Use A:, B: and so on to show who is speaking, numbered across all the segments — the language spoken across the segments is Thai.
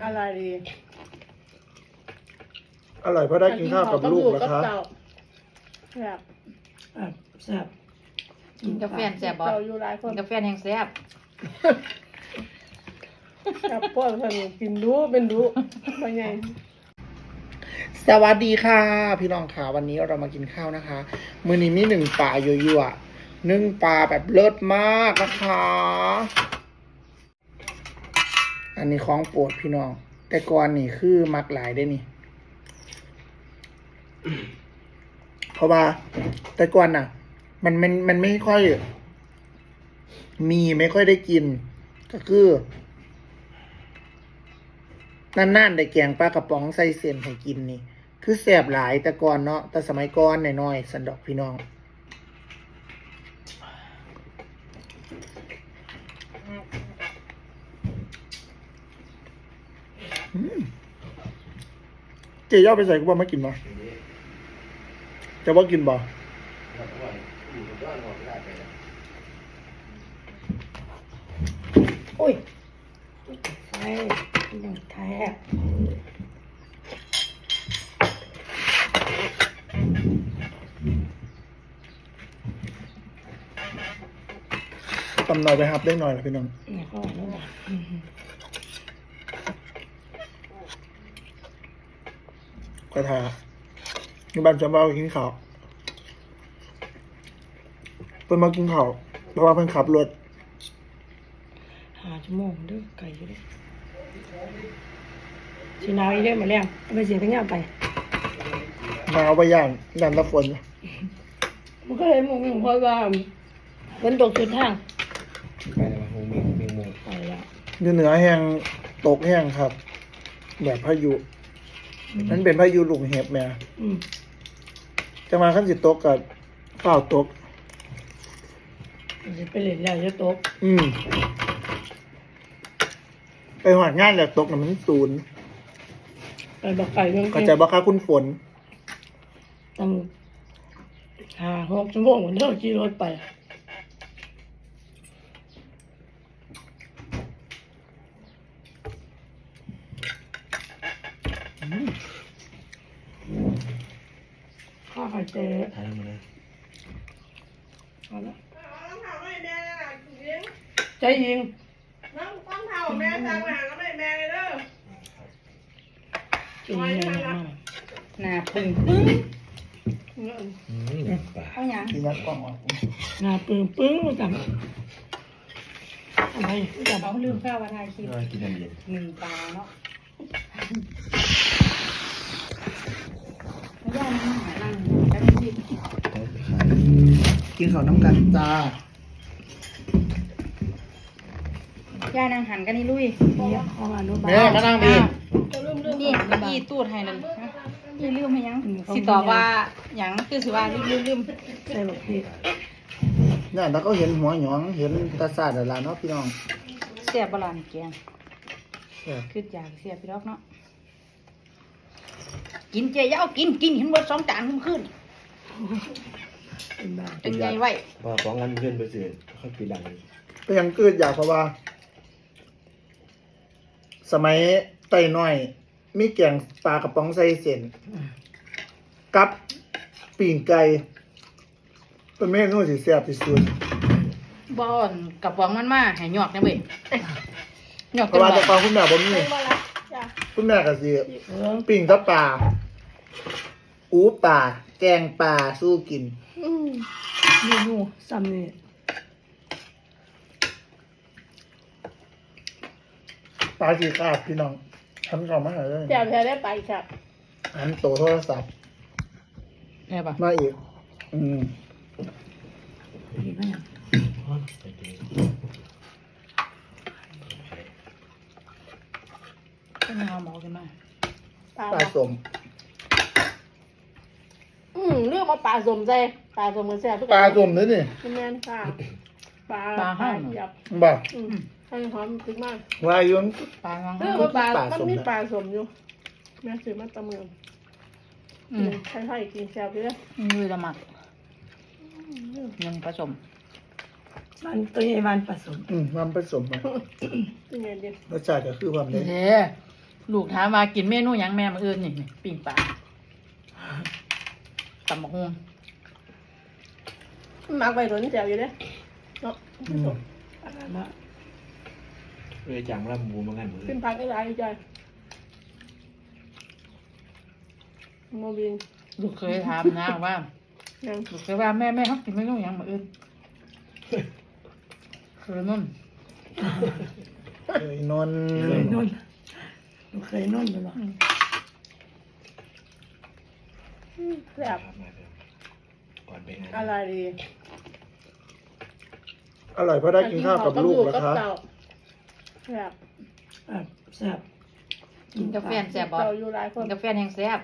A: อะไรดี
B: อร่อยเพราะได้กินข้าวกับลูกนะคะ
A: แบบ
C: แซ่บ
D: กินกาแฟแซ่บบ่
A: เราอยู่หลายค
D: กิ
A: น
D: นกาแฟแห้งแซ่บ
A: กับพวกคนกินดูเป็นดูเป็นไง
B: สวัสดีค่ะพี่น้องค่ะวันนี้เรามากินข้าวนะคะ มื้อนี้มี1 ปลายั่วๆนึ่งปลาแบบเลิศมากนะคะ อันนี้ของโปรดพี่น้อง แต่ก่อนนี่คือมักหลายได้นี่ เพราะว่าแต่ก่อนน่ะ มันไม่ค่อย ไม่ค่อยได้กิน ก็คือนานๆได้แกงปลากระป๋องใส่เส้นให้กินนี่ คือแสบหลายแต่ก่อนเนาะแต่สมัยก่อนน้อยๆสันดอกพี่น้องเจ๊ย่อไปใส่กูบ่มากินบ่จะว่ากินบ่
C: โอ้ยไฟยังแท้
B: ตำหน่อยไปครับได้หน่อยละพี่น้อง
C: นี่ก็นี่นะ
B: กระทาในบ้านจำว่ากินข้าวเพิ่นมากินข้าวเพราะว่าเพิ่นขับรถ
C: 5 ชั่วโมงเด้อไก่อยู่เด้อสิหนาวอีเด้อมาแล้วเอาไปเสียทั้งยามไป
B: มาเอาไปย่างตะฝน
C: มันก็เลยมึงเพราะว่าฝนตกสุดทาง
E: ไปแล้วมามีหมู
C: ไปแล้ว
B: อยู่เหนือแห้งตกแห้งครับ แบบพายุนั่นเป็นพายุลูกเห็บแม่ จะมาขั้นสิตกกับฝ้าวตก
C: จะไปเล่นแล้วจะตก
B: ไปหอดงานแล้วตกน่ะมันศูนย์
C: ไปบอกไก่เรื่อง
B: เข้าใจบ่คะคุณฝน
C: ตั้ง5-6 ชั่วโมงเด้อขี่รถไปข้าวไข่เจ๊
E: ทานมาเลย
C: เอาละ
A: ต้องทำให้แม่นะยิง
C: ใจยิง
A: ต้องทำแม่ทำงานแล้วแม่เลยเด้อ
C: ใจยิงนะ
D: หน้าปึ้ง
E: ปลา
D: เอาหยัง
B: ที่นัดกล้องออก
C: หน้าปึ้งปึ้งจังอะไรจัง
D: เขาลืมข้าวว่าทายคลิป
E: กินน้ำเย็น
D: 1 ปลาเนาะย่านั่งหานั่งกันสิ
B: กินข้าวน้ำกันจ้า
D: ย่านั่งหันกันนี่ลุย
C: เนี่ยข้าวอนุบาล
B: แม่มานั่งดี
D: นี่อีตูดให้นั่นนี่ลืมให้ยังสิตอบว่าหยังคือสิว่าลืม
C: ใส่บอกพี่
B: เนี่ยแล้วก็เห็นหัวหยองเห็นตาซาดแล้วล่ะเนาะพี่น้อง
D: แซ่บบ่ล่ะนี่แกง
B: แซ่บ
D: คืออยากเสียพี่ดอกเนาะกินเจ๊ยาวกินเห็นว่า2 จานขึ้น
C: เป็นบ้า
D: เป็นไงไว้
E: พอฟ้องกันเพื่อนไปเสือค่อยปีดัง
B: ก็ยังเกิดอยากเพราะว่า สมัยไต่น้อย มีแกงปลากระป๋องใส่เส้นกับปีงไก่เป็นเมนูที่แซ่บที่สุด
D: บ่อนกับฟองมันมาให้หยอกนะเว้ยหยอก
B: เพ
D: กัน
B: ราะว่า
D: บ่
B: แต่ก่อนคุณแม่บ่มี
A: ไม่ว่าละจ้ะ
B: คุณแม่ก็สิ
C: เออ
B: ปิ้งกับปลาอูปลาแกงปลาสู้กิน
C: เมนูซ้ำนี่
B: ปลาสีขาดพี่น้องทำกล่องมาหาเลย
A: เดี๋ยวได้ไปครับ
B: หันโตโทรศัพท์
D: แม่ป่ะ
B: มาอีก
C: เห็นไหมยัง
E: ไปกิน
D: ก็ไม่เอาหมอกันมา
B: ปลาสม
A: เรื่องมาปลาสมใจปลาสมมือแซ่บทุก
B: ปลาสมเลยนี่
A: คุณแม่ค่ะปลาหยับ
B: บ่า
A: ให้หอมพริกมาก
B: วายุน
D: ปลาวัง
A: เรื่องว่าปลามันมีปลาสมอยู่แม่ซื้อมาตะเมืองใช่ๆกินแซ่บเลย
D: มือละหมักยังผสม
C: มันตัวใหญ่มันผสม
B: ความผสมมา
A: เป็นไงดี
B: รสชาติก็คือความเด็ด
D: เด้ลูกถามว่ากินเมนูหยังแม่มื้ออื่นนี่ปิ้งปลาตำบักหุ่ง
A: มักไปโดนแจวอยู่เด้เนาะ
C: อะไรมา
E: เลยจังว่าหมูเหมือนกันหมดเล
A: ขึ้
E: ย
A: นพักได้หลายใจโมบิน
D: ลูกเคยถามนะว่า
A: ยัง
D: ลูกเคยว่าแม่เขากินเมนูหยังมื้ออื่นคือนุ่น
B: เอ้ยนนท์
C: เคยนุ่นหนูเคยนุ่นไปหรอ
A: แซ่บ
E: มาเถอะก่อนไปงาน
A: อะไรดี
B: อร่อยเพราะได้กินข้าวกับลูกแล้วครับ
A: เจ้าแซ่บ
C: แซ่บ
D: กินกาแฟแซ่บบ่
A: เจ้าอยู่หลายค
D: กิ
A: น
D: นกาแฟแห้งแซ่บ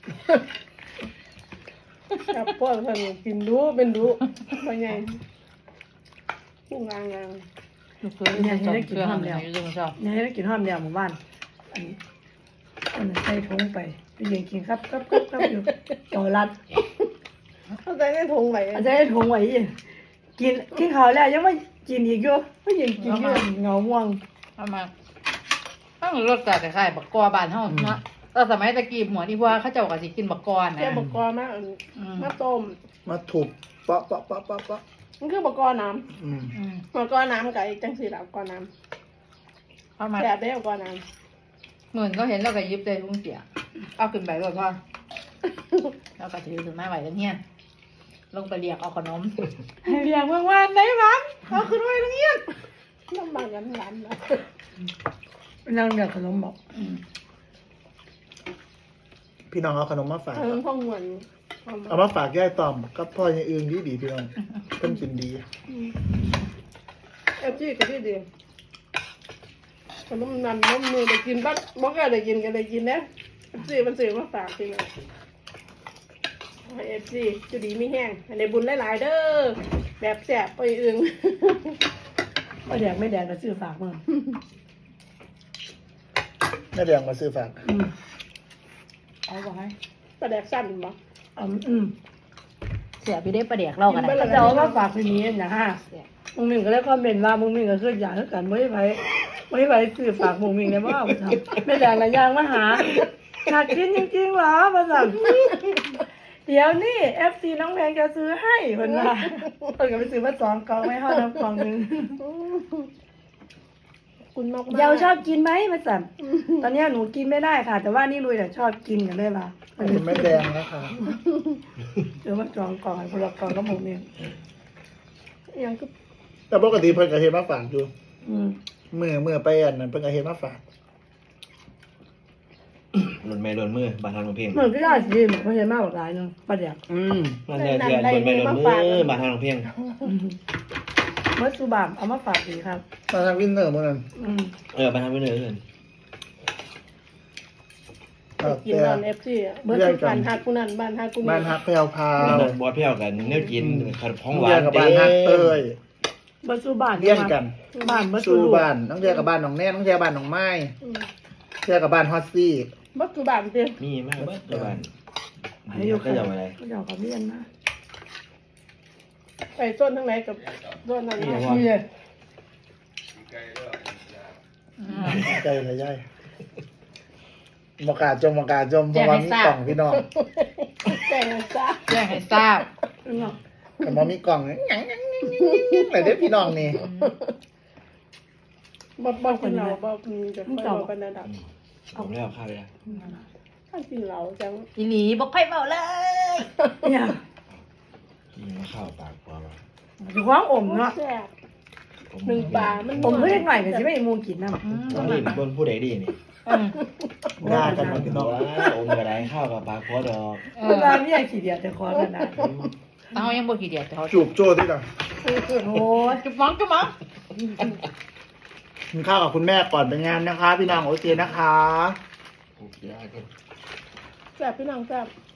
A: แซ่บพวกท่านกินรู้เป็นรู้เป็นไงพุ่งงาง
D: ลูกเคยเนี่ยได้กินห้ามแล้วอยู่จังเจ้า
C: เนี่ยให้ได้กินห้อมเดียวหมู่บ้านอันใส่ถุงไปยืนกินครับอยู่เก่ารัด
A: เข้าใจได้ทงไหม
C: อาจจะได้ถุงไว้กินข้าวแล้วยังไม่กินอีกอยู่ไม่ยังกินอยู่เงาม่วง
D: เอามาต้องรสชาติคล้ายๆบักกอบ้านเฮาเนาะสมัยตะกี้หมวดที่ว่าเขาเจ้าก็สิกินบักกอนะ
A: แค่บกกอมากมาต้ม
B: มาถูกเปาะเปาะเปาะเปาะเปาะ
A: มันคือบกกอน้
B: อืม
A: ำบกกอน้ำกับจังสีหลับกอน้
D: เอามา
A: ำแซ่บได้บกกอน้
D: เหมือนก็เห็นแล้วก็ยิบใจลุงเสียเอาขึ้นไปก่อนพ่อแล้วก็ถือถึงมาไหวทั้งเฮียนลงไปเรียกเอาขนมเรียกเมื่อวานได้บ้านเอาขึ้นไว้ทั้งเฮียน
A: ำน้ำมันกันร้านนะ
C: นั่งเดือดขนมบอก
B: พี่น้องเอาขนมมาฝาก
A: มันพ่องเหมือน
B: เอามาฝากย่ายต่อมกับพ่อยังอื่นดีพี่น้องเพิ่นกินดี
A: เอฟจีก็ที่ดีขนมนันน้ำมือได้กินบ้างบอกก็ได้กินก็ได้กินนะเอฟซีมันซื้อมาฝากจริงเลยเอฟซีจะดีไม่แห้งในบุญหลายๆเด้อแบบแสบไปอึง
C: ไม่แดงไม่แดงก็ซื้อฝากมึง
B: แม่แดงมาซื้อฝาก
D: เอาไว้
A: ประแดกสั้นบ่
D: เสียไปได้ประเดี๋ยวเรากัน
C: ก็จะเอามาฝากทีนี้นะฮะมึงมิงก็ได้คอมเมนต์ว่ามึงมิงก็คืออยากให้กันไม่ไปซื้อฝากมึงมิงเลยว่าไม่แดงละยางมาหาอยากกินจริงๆเหรอมาสั่งเดี๋ยวนี่ FC น้องแพงจะซื้อให้เพิ่นว่าเพิ่นก็ไปซื้อมา2กล่องไม่เฮาน้ำกล่องนึง
A: คุณมาก
C: เยาวชอบกินไหมมาสั่นตอนนี้หนูกินไม่ได้ค่ะ แต่ว่านี่ลุยชอบกินกันเลยล่ะ
B: เป็นแม่แดงนะคะ
C: เดี๋ยวมา2กล่องให้พลักกล่องก็หมดเนี่ย
A: ยังก็
B: แต่ปกติเพิ่นก็เฮ็ดมาฝากอยู่
C: อืม
B: เมื่อไปอันนั้นเพิ่นก็เฮ็ดมาฝาก
E: หล่นไม่หล่นมือบานทางเพลง
C: เหมือนก็ได้สิเหมือนเขาใช้มากกว่าหลายนึงประเดี๋ยว
E: มันเนี่ยเดือนหล่นไม่หล่นมือบานทางเพลง
C: เมื่อสุบามเอามาฝากดีครับ
B: มาทางวินเนอร์มื้อนั้น
E: บานทางไม่เหนื่อยเลย
A: กินตอนเอฟซีเมื่อทุกบ้านฮักกูนั่นบ้านฮักกู
B: บ้านฮักแพรวพาว
E: บอดเพี้ยวกันเนี่ยกินขนมของหวา
B: เรีย
E: น
B: นกับบ้านฮักเต้ย
C: เมื่อสุบาม
B: เรียนกัน
C: บ้านเมื่อสุ
B: สู่
C: ลูก
B: บ้านน้องเรียกับบ้านน้องแน่น้องเรียกับบ้านน้องไม้เรียกับบ้านฮอตซี่
A: บักกูบ้านเตี้ย
E: มีมากเบิดบ้าน
C: ให้อยู่
E: ก็จะอะไร
C: ก็จะกับเรียนนะ
A: ไปต้นทั้งไหนกับต้นนั้น
C: นี่เลย
B: ใจละย่ายมากาจมเพราะว่ามีกล่องพี่น้อง
A: แต่งจ้า
D: แจ้งให้ทราบ
B: แต่ว่ามีกล่องยังไหนเด้อพี่น้องนี่
A: บ่กินเหล้าบ่กินจะค่อยบ่ปานนั้นดอก
E: ผมเล่าข้าวไปแล้ว
A: ถ้ากินเหล้าจัง
D: อีหลีบอกค่อยเมาเลย
C: เนี่ย
E: กินข้าวปากพอป่ะ
C: อยู่ห้องอมเนาะ
A: แซ่บหนึ่งปลามัน
C: ผมเพิ่งหน่อยแต่สิไม่มูกินน้
E: ต้องรีบคนผู้ใดดีนี่
B: ด่ากันมาพี่น้อง
E: อมกระไดข้าวกับปลาคอดอก
C: ำเวลาเนี่ยขี้เดียดจะคอกันนะ
D: เอายังบ่กี่เดียวแต่เขา
B: จูบโจ้ที่กัน
C: โอ้ย
D: จุ๊บมัง
B: กินข้าวกับคุณแม่ก่อนไปงานนะคะ พี่น้องโอเคนะคะ
E: โอเคได้
A: แซ่บพี่น้องแซ่บ